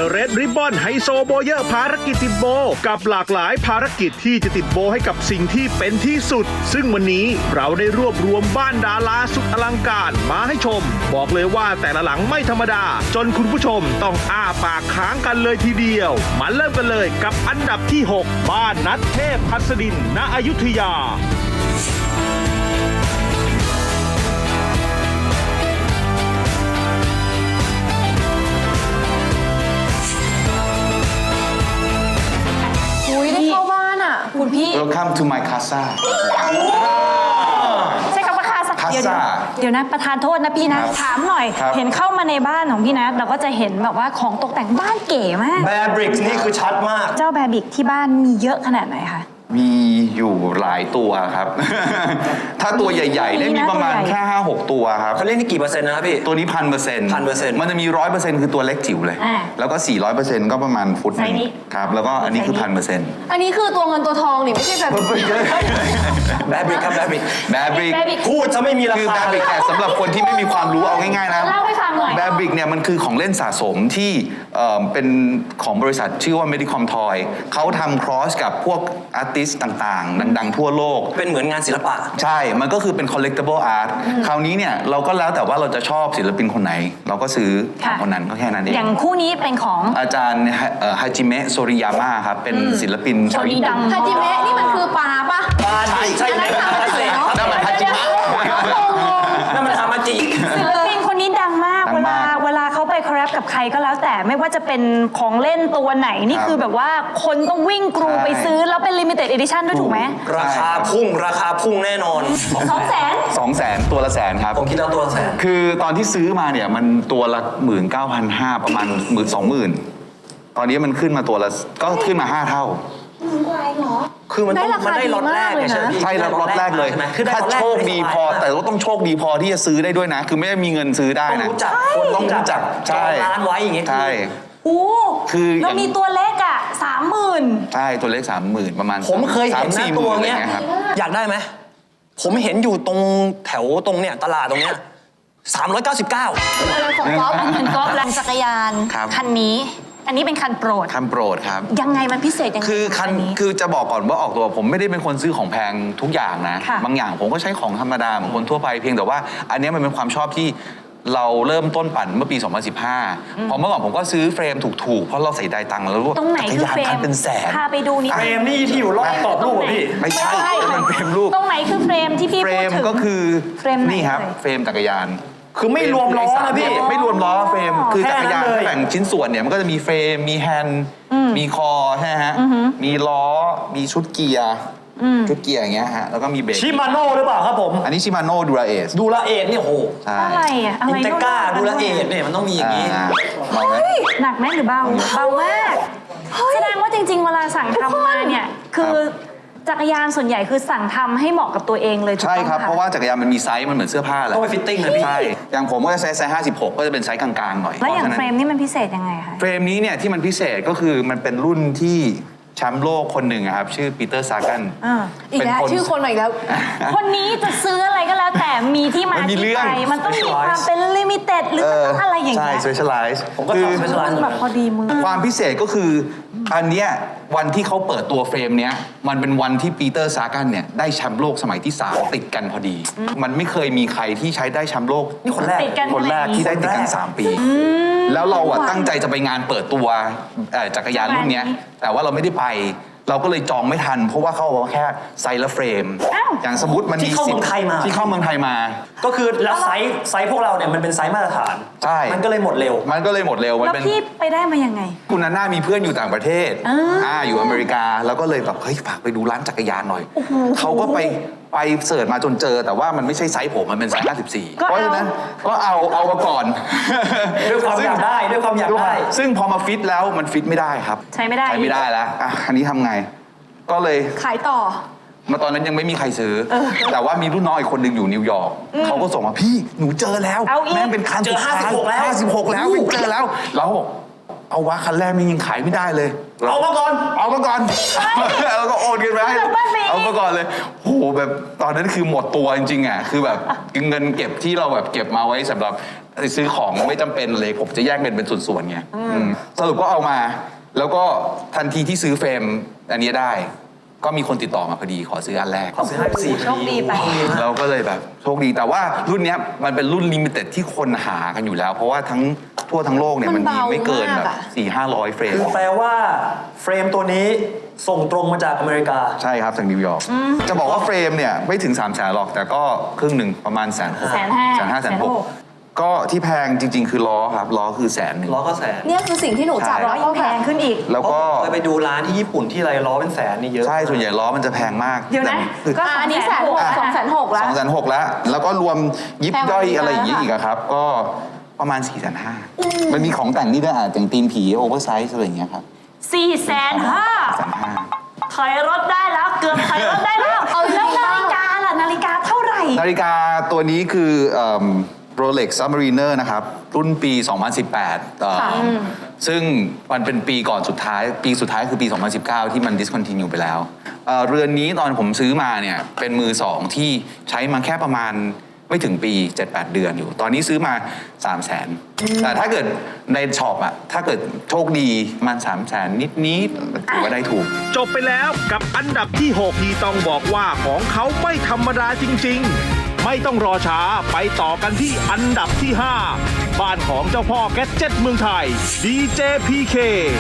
The Red Ribbon ไฮโซโบเยอร์ภารกิจติดโบกับหลากหลายภารกิจที่จะติดโบให้กับสิ่งที่เป็นที่สุดซึ่งวันนี้เราได้รวบรวมบ้านดาราสุดอลังการมาให้ชมบอกเลยว่าแต่ละหลังไม่ธรรมดาจนคุณผู้ชมต้องอ้าปากค้างกันเลยทีเดียวมาเริ่มกันเลยกับอันดับที่ 6 บ้านนัทเทพหัสดินณอยุธยาได้เข้าบ้านอ่ะคุณพี่ Welcome to my casa ใช่คำว่าคาซา Casa เดี๋ยวนะประธานโทษนะพี่นะ ถามหน่อย เห็นเข้ามาในบ้านของพี่นะเราก็จะเห็นแบบว่าของตกแต่งบ้านเก๋มากแบร์บริกนี่คือชัดมากเจ้าแบบิกที่บ้านมีเยอะขนาดไหนคะมีอยู่หลายตัวครับ ถ้าตัวใหญ่ๆเนี่ยมีประมาณแค่ 5-6 ตัวครับเขาเล่นนี่กี่เปอร์เซ็นต์นะครับพี่ตัวนี้1,000% 1,000% มันจะมี 100%คือตัวเล็กจิ๋วเลย แล้วก็ 400%ก็ประมาณฟุตหนึงครับ แล้วก็อันนี้คือ 1,000% อันนี้คือตัวเงินตัวทองนี่ไม่ใช่แบบแบร์บริกครับแบร์บริกแบบิกพูดจะไม่มีราคือคาแบบิกสำหรับคนที่ไม่มีความรู้เอาง่ายๆนะเล่าให้ฟังหน่อยแบบิกเนี่ยมันคือของเล่นสะสมที่เป็นของบริษัทชื่อว่า Medicom Toy เขาทำครอสกับพวกอาร์ติสต์ต่างๆ ดังๆ ทั่วโลกเป็นเหมือนงานศิลปะใช่ มันก็คือเป็น collectible art คราวนี้เนี่ยเราก็แล้วแต่ว่าเราจะชอบศิลปินคนไหน เราก็ซื้อของคนนั้นก็แค่นั้นเองอย่างคู่นี้เป็นของอาจารย์ฮาจิเมะโซริยาม่าครับ เป็นศิลปินชาวญี่ปุ่นฮาจิเมะนี่มันคือปลาปะใช่อันนั้นใช่ทำมาจากไหนเนาะนั่นมันฮาจิมะนั่นมันฮามาจิศิลปินคนนี้ดังมากดังมากเวลาเขาไปคอลแลบกับใครก็แล้วแต่ไม่ว่าจะเป็นของเล่นตัวไหนนี่ครับคือแบบว่าคนต้องวิ่งกรูใช่ไปซื้อแล้วเป็น limited edition ด้วยถูกไหมราคาพุ่งแน่นอน 200,000 200,000 ตัวละแสนครับผมคิดแล้วตัวแสนคือตอนที่ซื้อมาเนี่ยมันตัวละ19,500ประมาณ20,000ตอนนี้มันขึ้นมาตัวละก็ขึ้นมา5 เท่าคือมันต้องได้ราคามันได้ล็อตแรกดีมากเลยนะใช่ไหมพี่ใช่ล็อตแรกเลยใช่ไหมคือได้ถ้าล็อตแรกโชคดีพอ แต่ก็ต้องโชคดีพอที่จะซื้อได้ด้วยนะ คือไม่ได้มีเงินซื้อได้ต้องนะรู้จักคนต้องรู้จักจอใช่งร้านไว้อย่างเงี้ยใช่โอ้คืออย่างเรามีตัวเล็กอ่ะ 30,000 ใช่ตัวเลข30,000ประมาณผมเคยเห็นหน้า 3-4 ตัวหมื่นอะไรเงี้ยเงี้ยครับอยากได้ไหมผมเห็นอยู่ตรงแถวตรงเนี้ยตลาดตรงเนี้ย399 อะไรของก๊อฟอันนั้นก็แรงจักรยานครับคันนี้ อันนี้เป็นคันโปรดคันโปรดครับยังไงมันพิเศษยังไงคือคันนี้คือจะบอกก่อนว่าออกตัวผมไม่ได้เป็นคนซื้อของแพงทุกอย่างนะค่ะบางอย่างผมก็ใช้ของธรรมดาเหมือนคนทั่วไปเพียงแต่ว่า อันเนี้ยมันเป็นความชอบที่เราเริ่มต้นปั่นเมื่อปี 2015 พอเมื่อก่อนผมก็ซื้อเฟรมถูกๆ เพราะเราเสียดายตังค์แล้วรู้ว่าตรงไหนจักรคือยานเฟรคัมนเป็นแสนพาไปดูนิดเฟรมนี่ที่อยู่รอบกรอบรูปอะพี่ไม่ใช่มันเฟรมรูปตรงไหนคือเฟรมที่พี่เฟรพูดมถึงก็คือเฟรมไหนนี่ครับเอ่ยเฟรมจักรยานคือไม่รวมล้อนะพี่ไม่รวมล้อเฟรมคือแค่จักรยานนั้นเลยถ้าแบ่งชิ้นส่วนเนี่ยมันก็จะมีเฟรมมีแฮนด์มีคอใช่ไหมฮะมีล้อมีชุดเกียร์ชุดเกียร์อย่างเงี้ยฮะแล้วก็มีเบรกชิมาโน่หรือเปล่าครับผมอันนี้ชิมาโน่ดูราเอสดูละเอ็ดเนี่ยโหใช่อะไรอ่ะอะไรอินเตก้าโน่นดูละเอ็ดเนี่ยมันต้องมีอย่างนี้ลองไหมหนักไหมหรือเบาเบามากแสดงว่าจริงๆเวลาสั่งทำมาเนี่ยคือจักรยานส่วนใหญ่คือสั่งทำให้เหมาะกับตัวเองเลยถูกใช่ต้องครับค่ะเพราะว่าจักรยานมันมีไซส์มันเหมือนเสื้อผ้าแหละต้องไปฟิตติ้งนะพี่ใช่อย่างผมก็จะใช้ไซส์56 ก็จะเป็นไซส์กลางๆหน่อยแล้วอย่างพะฉะเฟรนั้นมนี่มันพิเศษยังไงคะเฟรมนี้เนี่ยที่มันพิเศษก็คือมันเป็นรุ่นที่แชมป์โลกคนหนึ่งอะครับชื่อปีเตอร์ซากันอีกแล้วชื่อคนใหม่อีกแล้วคนนี้จะซื้ออะไรก็แล้วแต่มีที่มามันมีที่เรื่องไปมันต้องมีความเป็นลิมิเต็ดหรือมันต้องอะไรอย่างใช่เงี้ย specialize ผมก็ทำ specialize มันแบบพอดีมือความพิเศษก็คืออันเนี้ยวันที่เขาเปิดตัวเฟรมเนี้ยมันเป็นวันที่ปีเตอร์ซากันเนี่ยได้แชมป์โลกสมัยที่ 3 ติดกันพอดี มันไม่เคยมีใครที่ใช้ได้แชมป์โลกนี่คนแรกติดกันคนแรกที่ได้ติดกัน 3 ปี แล้วเราอะตั้งใจจะไปงานเปิดตัวจักรยานรุ่นเนี้ยแต่ว่าเราไม่ได้ไป เราก็เลยจองไม่ทัน เพราะว่าเขาบอกว่าแค่ไซส์ละเฟรมอ้าวอย่างสมมติมันที่เข้าเมืองไทยมาที่เข้าเมืองไทยมาก็คือแล้วไซส์พวกเราเนี่ยมันเป็นไซส์มาตรฐานใช่มันก็เลยหมดเร็วมันก็เลยหมดเร็วมันแล้วเป็นพี่ไปได้มายังไงคุณนาน่ามีเพื่อนอยู่ต่างประเทศ อยู่อเมริกา แล้วก็เลยแบบเฮ้ยฝากไปดูร้านจักรยานหน่อย เขาก็ไปเสิร์ชมาจนเจอ แต่ว่ามันไม่ใช่ไซส์ผม มันเป็นไซส์54 ก็เอาเพราะฉะนั้นก็เอามาก่อนด้วยความอยากได้ด้วยความอยากได้ซึ่งพอมาฟิตแล้วมันฟิตไม่ได้ครับใช้ไม่ได้ใช้ไม่ได้แล้วอ่ะอันนี้ทำไง ก็เลยขายต่อมาตอนนั้นยังไม่มีใครซื้อ แต่ว่ามีรุ่นน้องอีกคนหนึ่งอยู่นิวยอร์กเขาก็ส่งมาพี่หนูเจอแล้วเอาอีกแม่งเป็นคันเจอสุดท้าย 56แล้ว 56 แล้วเจอแล้วเราก็บอกเอาวะคันแรกมันยังขายไม่ได้เลยเอามาก่อนเอามาก่อนแล้วก็โอนเงินไปให้เอามาก่อนเลยโหแบบตอนนั้นคือหมดตัวจริงๆอ่ะคือแบบเงินเก็บที่เราแบบเก็บมาไว้สำหรับซื้อของไม่จำเป็นเลยผมจะแยกเงินเป็นส่วนๆไงสรุปก็เอามา แล้วก็ทันทีที่ซื้อเฟรมอันนี้ได้ ก็มีคนติดต่อมาพอดีขอซื้ออันแรกเขาซื้อให้4 โชคดีไปเราก็เลยแบบโชคดีแต่ว่ารุ่นเนี้ยมันเป็นรุ่นลิมิเต็ดที่คนหากันอยู่แล้ว เพราะว่าทั่วทั้งโลกเนี่ยมัมัน นมีเบาไม่เกินมากแบบอะ 400-500 เฟรมคือแปลว่าเฟรมตัวนี้ส่งตรงมาจากอเมริกาใช่ครับจากนิวยอร์กจะบอกว่าเฟรมเนี่ยไม่ถึง3 0 0 0 0 0หรอก แต่ก็ครึ่งหนึ่งประมาณ150,000 ก็ที่แพงจริง ๆ คือล้อครับล้อคือ100,000 ล้อก็แสนเนี่ยคือสิ่งที่หนูจับร้อยยิ่งแพงขึ้นอีกแล้วก็เคยไปดูร้านที่ญี่ปุ่นที่ไรล้อเป็นแสนนี่เยอะใช่ส่วนใหญ่ล้อมันจะแพงมากเดี๋ยวนะแต่อันนี้160,000 260,000แล้ว 260,000แล้วแล้วก็รวมยิบแพงกว่าย่อยนี้อะไรอย่างนี้แล้วอีกอะครับ ก็ประมาณ450,000มันมีของแต่งนี่ด้วยอย่างตีนผีโอเวอร์ไซส์อะไรอย่างเงี้ยครับ 450,000ถอยรถได้แล้วเกือบถอยรถได้แล้วแล้วนาฬิกาล่ะนาฬิกาเท่าไหร่นาฬิกาตัวนี้คือRolex Submariner นะครับ รุ่นปี 2018ซึ่งมันเป็นปีก่อนสุดท้าย ปีสุดท้ายคือปี 2019 ที่มัน discontinue ไปแล้วเรือนนี้ตอนผมซื้อมาเนี่ยเป็นมือ 2 ที่ใช้มาแค่ประมาณไม่ถึงปี 7-8 เดือนอยู่ ตอนนี้ซื้อมา 300,000 แต่ถ้าเกิดในช็อปอะถ้าเกิดโชคดีมัน 300,000 นิดๆถือว่าได้ถูกจบไปแล้วกับอันดับที่ 6 ที่ต้องบอกว่าของเขาไม่ธรรมดาจริงๆ ไม่ต้องรอช้าไปต่อกันที่อันดับที่ 5 บ้านของเจ้าพ่อแกดเจ็ตเมืองไทย DJPK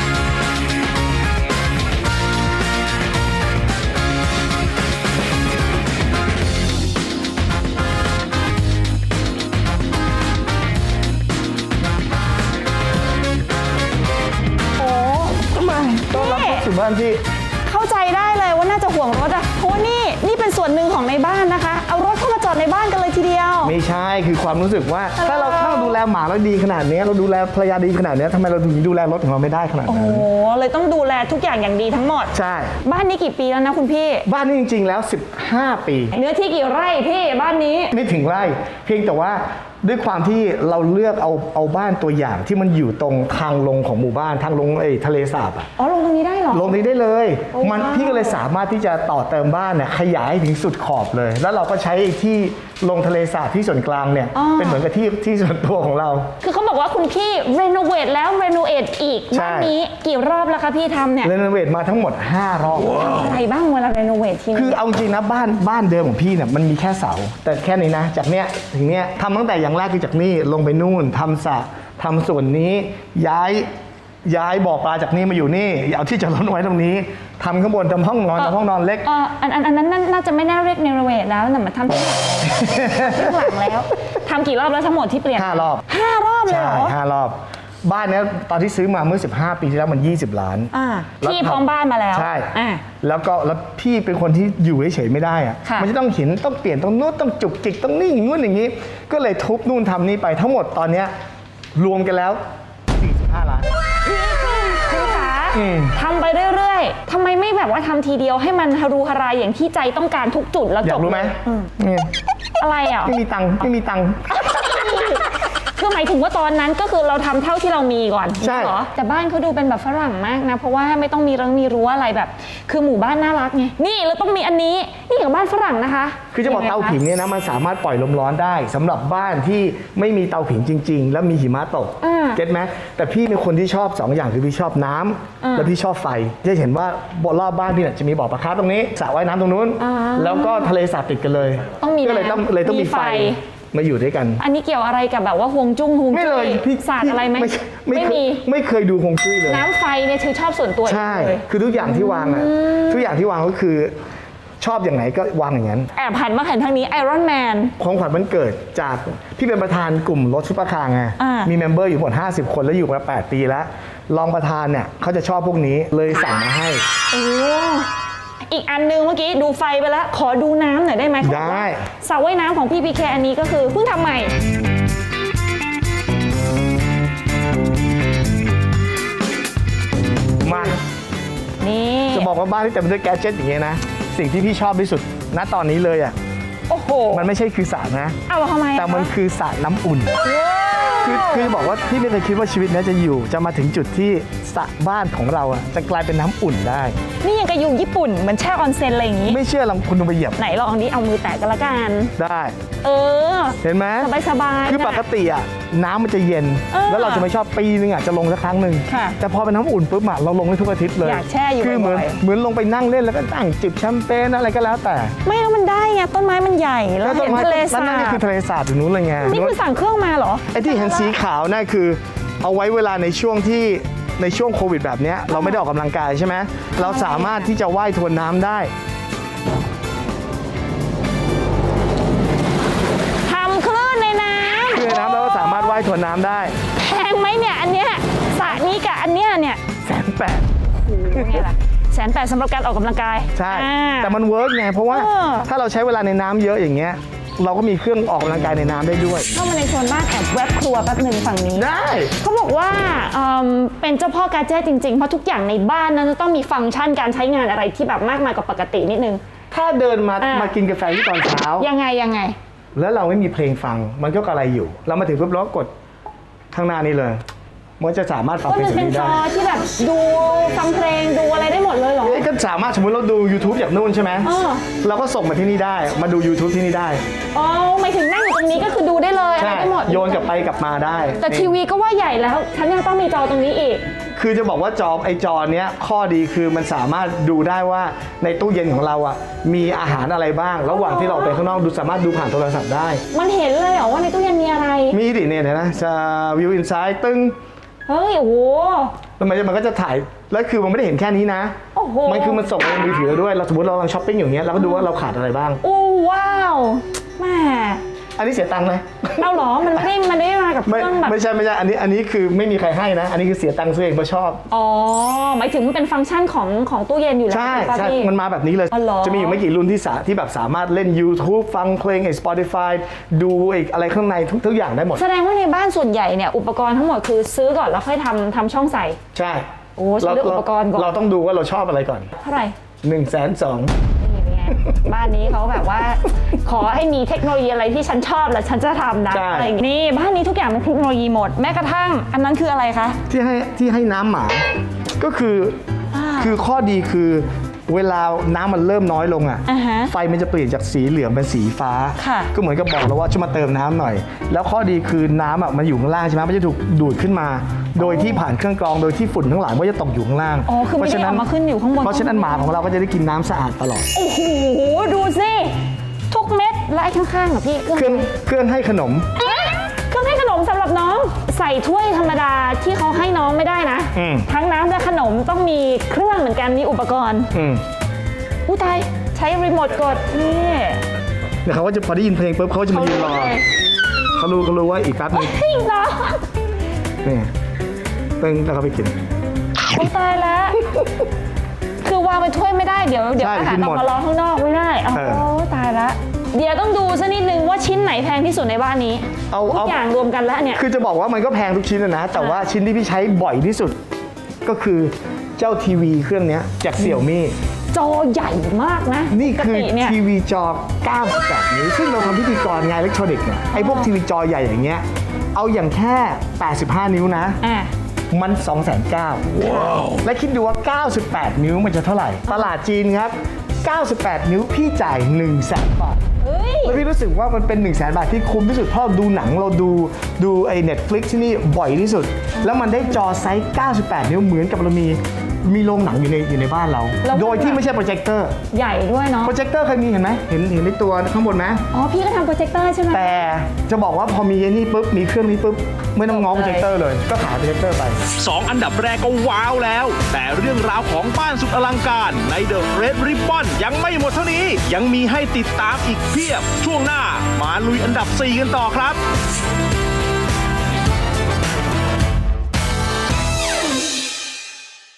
ถึงบ้านพี่เข้าใจได้เลยว่าน่าจะห่วงรถอะเพราะว่านี่เป็นส่วนหนึ่งของในบ้านนะคะ เอารถเข้ามาจอดในบ้านกันเลยทีเดียวไม่ใช่คือความรู้สึกว่าถ้าเราดูแลหมาเราดีขนาดนี้เราดูแลภรรยาดีขนาดนี้ทำไมเราถึงดูแลรถของเราไม่ได้ขนาดโอ้นั้นโหเลยต้องดูแลทุกอย่างอย่างดีทั้งหมดใช่บ้านนี้กี่ปีแล้วนะคุณพี่บ้านนี้จริงๆแล้ว 15 ปีเนื้อที่กี่ไร่พี่บ้านนี้ไม่ถึงไร่เพียงแต่ว่าด้วยความที่เราเลือกเอาบ้านตัวอย่างที่มันอยู่ตรงทางลงของหมู่บ้านทางลงทะเลสาบอะอ๋อลงตรงนี้ได้เหรอลงนี้ได้เลยโอ้มันว้าวพี่ก็เลยสามารถที่จะต่อเติมบ้านเนี่ยขยายถึงสุดขอบเลย แล้วเราก็ใช้ที่ลงทะเลสาบที่ส่วนกลางเนี่ยเป็นเหมือนกับที่ส่วนตัวของเราคือเขาบอกว่าคุณพี่รีโนเวทแล้วรีโนเอทอีกใช่บ้านนี้กี่รอบแล้วคะพี่ทำเนี่ยเรโนเวทมาทั้งหมด5 รอบอะไรบ้างเวลารีโนเวททีคืนี้อเอาจริงนะบ้านเดิมของพี่เนี่ยมันมีแค่เสา แต่แค่นี้นะจากเนี้ยถึงเนี้ยทำตั้งแต่อย่างแรกคือจากนี่ลงไปนู่นทำสระทำส่วนนี้ย้ายบ่อปลาจากนี่มาอยู่นี่เอาที่จอดรถไว้ตรงนี้ทำข้างบนทำห้องนอนทำห้องนอนเล็กอันนั้นน่าจะไม่น่าเรียกรีโนเวทแล้วแต่มาทำที่หลังแล้วทำกี่รอบแล้วทั้งหมดที่เปลี่ยน 5 รอบ 5 รอบเลยใช่เหรอ 5 รอบ บ้านเนี้ยตอนที่ซื้อมาเมื่อ15 ปีที่แล้วมัน20 ล้าน แล้วพี่พร้อมบ้านมาแล้วใช่อ่าแล้วพี่เป็นคนที่อยู่เฉยๆไม่ได้อะค่ะมันจะต้องเห็นต้องเปลี่ยนต้องนู้นต้องจุกจิกต้องนี่อย่างนู้นอย่างนี้ ก็เลยทุบนู่นทำนี่ไปทั้งหมดตอนเนี้ยรวมกันแล้ว45 ล้านคุณคะอืมทำไปเรื่อยๆทำไมไม่แบบว่าทำทีเดียวให้มันฮารูฮารายอย่างที่ใจต้องการทุกจุดแล้วอจยาบกรู้ไหมอืนี่อะไรอ่ะไม่มีตังค์คือหมายถึงว่าตอนนั้นก็คือเราทำเท่าที่เรามีก่อนใช่เหรอแต่บ้านเขาดูเป็นแบบฝรั่งมากนะ เพราะว่าไม่ต้องมีรั้วอะไรแบบ คือหมู่บ้านน่ารักไงนี่เราต้องมีอันนี้นี่กับบ้านฝรั่งนะคะคือจะบอกเตาผิงเนี่ยนะมันสามารถปล่อยลมร้อนได้สำหรับบ้านที่ไม่มีเตาผิงจริง ๆ แล้วมีหิมะตกเก็ตไหมแต่พี่เป็นคนที่ชอบ2 อย่างคือพี่ชอบน้ำและพี่ชอบไฟจะเห็นว่ารอบบ้านพี่เนี่ยจะมีบ่อปลาคาร์ฟตรงนี้สระว่ายน้ำตรงนู้น แล้วก็ทะเลสาบติดกันเลยต้องมีก็เลยต้องมีไฟมาอยู่ด้วยกันอันนี้เกี่ยวอะไรกับแบบว่าฮวงจุ้งฮวงไม่จุ้เลยยพี่ศาสตร์อะไรไหมไม่มีไม่เคยดูฮวงจุ้ยเลยน้ำไฟเนี่ยคือชอบส่วนตัวใช่เลยคือทุกอย่างที่วางอะทุกอย่างที่วางก็คือชอบอย่างไหนก็วางอย่างนั้นแอบหันมาเห็นทางนี้ไอรอนแมนของขวัญวันเกิดจากพี่เป็นประธานกลุ่มรถซุปเปอร์คาร์ไงอ่ามีมีเมมเบอร์อยู่หมด50 คนแล้วอยู่มา8 ปีแล้วรองประธานเนี่ยเขาจะชอบพวกนี้เลยสั่งมาให้โอ้อีกอันนึงเมื่อกี้ดูไฟไปแล้ว ขอดูน้ำหน่อยได้ไหมเขาบอกว่าได้สระว่ายน้ำของพี่พีเคอันนี้ก็คือเพิ่งทำใหม่มานี่จะบอกว่าบ้านที่เต็มไปด้วยแกดเจ็ตอย่างเงี้ยนะสิ่งที่พี่ชอบที่สุดณตอนนี้เลยอ่ะโอ้โหมันไม่ใช่คือสระนะเอาทำไมอะแต่มันคือสระน้ำอุ่นว้าวคือบอกว่าพี่ไม่เคยคิดว่าชีวิตเนี้ยจะมาถึงจุดที่สระบ้านของเราอะจะกลายเป็นน้ำอุ่นได้นี่ยังกับอยู่ญี่ปุ่นเหมือนแช่ออนเซ็นอะไรอย่างนี้ไม่เชื่อลองคุณลองไปเหยียบไหนลองนี้เอามือแตะกันละกันได้เออเห็นไหมสบายๆคือปกติอะน้ำมันจะเย็น แล้วเราจะไม่ชอบปีนึงอะจะลงสักครั้งหนึ่งค่ะแต่พอเป็นน้ำอุ่นปุ๊บอะเราลงได้ทุกอาทิตย์เลยอยากแช่อยู่คือเหมือนบ่อยเหมือนลงไปนั่งเล่นแล้วก็นั่งจิบแชมเปญอะไรก็แล้วแต่ไม่แล้วมันได้ไงต้นไม้มันใหญ่แล้วเห็นทะเลสานั่นก็บคือทะเลสาบอยู่นู้นเลยไงนี่คือสั่งเครื่องมาเหรอไอ้ที่เห็นสีขาวนั่นคือเอาไว้เวลาในช่วงโควิดแบบเนี้ยเราไม่ได้ออกกำลังกายใช่ไหมเราสามารถที่จะว่ายทวนน้ำได้ทำคลื่นในน้คือในน้ำเราก็สามารถว่ายทวนน้ำได้ำแพงไหมเนี่ยอันเนี้ยสระนี้กับอันเนี้ยเนี่ย 180,000 นี่แหละ180,000สำหรับการออกกำลังกายใช่อ่าแต่มันเวิร์กไงเพราะว่าเออถ้าเราใช้เวลาในน้ำเยอะอย่างเงี้ยเราก็มีเครื่องออกกำลังกายในน้ำได้ด้วยเข้ามาในโซนบ้านแอบแวบครัวแป๊บหนึ่งฝั่งนี้ได้เขาบอกว่าเป็นเจ้าพ่อกาเจตจริงๆ เพราะทุกอย่างในบ้านนั้นจะต้องมีฟังก์ชันการใช้งานอะไรที่แบบมากมายกว่าปกตินิดนึงถ้าเดินมาอ่ะมากินกาแฟที่ตอนเช้ายังไงแล้วเราไม่มีเพลงฟังมันก็กระไรอยู่ เรามาถึงปุ๊บเราก็กดข้างหน้านี้เลยมันจะสามารถฟังก็เพลงมันแบบเป็นนี้จได้อที่แบบดูฟังเพลงดูอะไรได้หมดเลยเหรอก็สามารถสมมติเราดู YouTube จากนู่นใช่ไหมเออเราก็ส่งมาที่นี่ได้มาดู YouTube ที่นี่ได้อ๋อหมายถึงนั่งอยู่ตรงนี้ก็คือดูได้เลยอะไรใช่ได้หมดโยนกลับไปกลับมาได้แต่ทีวีก็ว่าใหญ่แล้วฉันยังต้องมีจอตรงนี้อีกคือจะบอกว่าจอเนี้ยข้อดีคือมันสามารถดูได้ว่าในตู้เย็นของเราอ่ะมีอาหารอะไรบ้าง ระหว่างที่เราออกไปข้างนอกดูสามารถดูผ่านโทรศัพท์ได้มันเห็นเลยเหรอว่าในตู้เย็นมีอะไรมีดิเนี่ยนะจะวิวอินไซด์ตึ้งเฮ้ยโอ้โหแล้วมันก็จะถ่ายแล้วคือมันไม่ได้เห็นแค่นี้นะโอ้โหมันคือมันส่งไปในมือถือด้วยเราสมมติเรากำลังช้อปปิ้งอย่างเงี้ยเราก็ดูว่าเราขาดอะไรบ้างโอ้ว้าวแม่อันนี้เสียตังค์ไหมเอาเหรอมันไม่ได้มากับเคไม่รื่องแบบไม่ใช่อันนี้คือไม่มีใครให้นะ อันนี้คือเสียตังค์ซื้อเองเพราะชอบอ๋อหมายถึงมันเป็นฟังก์ชันของตู้เย็นอยู่แล้วใช่ถูกปะใช่พี่มันมาแบบนี้เลยอ๋อเหรอจะมีอยู่ไม่กี่รุ่นที่แบบสามารถเล่น YouTube ฟังเพลงไอ้ Spotify ดูอีกอะไรข้างในทุกอย่างได้หมดแสดงว่าในบ้านส่วนใหญ่เนี่ยอุปกรณ์ทั้งหมดคือซื้อก่อนแล้วค่อยทำช่องใส่ใช่โอ้ฉันเลือกอุปกรณ์ก่อนเราต้องดูว่าเราชอบอะไรก่อนเท่าไหร่ 120,000 นี่เป็นไง บ้านนี้เขาแบบว่า ขอให้มีเทคโนโลยีอะไรที่ฉันชอบแล้วฉันจะทำนะใช่อะไรอย่างงี้นี่บ้านนี้ทุกอย่างเป็นเทคโนโลยีหมดแม้กระทั่ง อันนั้นคืออะไรคะที่ให้น้ำหมา ก็คือคือข้อดีคือเวลาน้ำมันเริ่มน้อยลงอ่ะอ่าฮะไฟมันจะเปลี่ยนจากสีเหลืองเป็นสีฟ้าค่ะก็เหมือนกับบอกเราว่าช่วยมาเติมน้ำหน่อย แล้วข้อดีคือน้ำอ่ะมันอยู่ข้างล่างใช่ไหมมันจะถูกดูดขึ้นมา โดยที่ผ่านเครื่องกรองโดยที่ฝุ่นทั้งหลายมันจะตกอยู่ข้างล่างอ๋อคือไม่ได้เอามาขึ้นอยู่ข้างบนเพราะฉะนั้นหมาของเราก็จะได้กินน้ำสะอาดตลอดโอ้โหดูสิทุกเม็ดและไอ้ข้างๆอ่ะพี่เครื่องให้ขนมเครื่องให้ขนมสำหรับน้องใส่ถ้วยธรรมดาที่เขาให้น้องไม่ได้นะอืมทั้งน้ำและขนมต้องมีเครื่องเหมือนกันมีอุปกรณ์ อู้ตายใช้รีโมทกดนี่เดี๋ยวเขาก็จะพอได้ยินเพลงปุ๊บเขาจะมายืนรอเขารู้ว่าอีกแป๊บนึงจริงเหรอนี่ตึ้งแล้วเขาไปกินอู้ตายแล้ว คือวางเป็นถ้วยไม่ได้เดี๋ยวใช่อาหารกินอหอมดกมารอข้างนอกไม่ได้โอ้เออตายแล้วเดี๋ยวต้องดูสักนิดนึงว่าชิ้นไหนแพงที่สุดในบ้านนี้เอาทุกอย่างรวมกันแล้วเนี่ยคือจะบอกว่ามันก็แพงทุกชิ้นนะ แต่ว่าชิ้นที่พี่ใช้บ่อยที่สุด ก็คือเจ้าทีวีเครื่องเนี้ยจากเสี่ยวมี่จอใหญ่มากนะนี่คือปกติเนี่ยทีวีจอ 98 นิ้ว ซึ่งเราทำพิธีกรงานอิเล็กทรอนิกส์เนี่ยไอ้พวกทีวีจอใหญ่อย่างเงี้ยเอาอย่างแค่ 85 นิ้วนะอ่ะมัน 290,000 ว้าว และคิดดูว่า 98 นิ้วมันจะเท่าไหร่ ตลาดจีนครับ 98 นิ้วพี่จ่าย 100,000 บาทเฮ้ยแล้วพี่รู้สึกว่ามันเป็น 100,000 บาทที่คุ้มที่สุดเพราะเราดูหนังเราดูไอ้ Netflix ที่นี่บ่อยที่สุด แล้วมันได้จอไซส์ 98 นิ้วเหมือนกับเรามีโรงหนังอยู่ในบ้านเราแล้วโดยที่ไม่ใช่โปรเจคเตอร์ใหญ่ด้วยเนาะโปรเจคเตอร์เคยมีเห็นไหมเห็นในตัวข้างบนไหมอ๋อพี่ก็ทำโปรเจคเตอร์ใช่ไหมแต่จะบอกว่าพอมีไอ้นี่ปุ๊บมีเครื่องนี้ปุ๊บไม่ต้องง้อโปรเจคเตอร์เลยก็ขายโปรเจคเตอร์ไป 2 อันดับแรกก็ว้าวแล้ว แต่เรื่องราวของบ้านสุดอลังการใน The Red Ribbon ยังไม่หมดเท่านี้ ยังมีให้ติดตามอีกเพียบ ช่วงหน้ามาลุยอันดับ 4 กันต่อครับ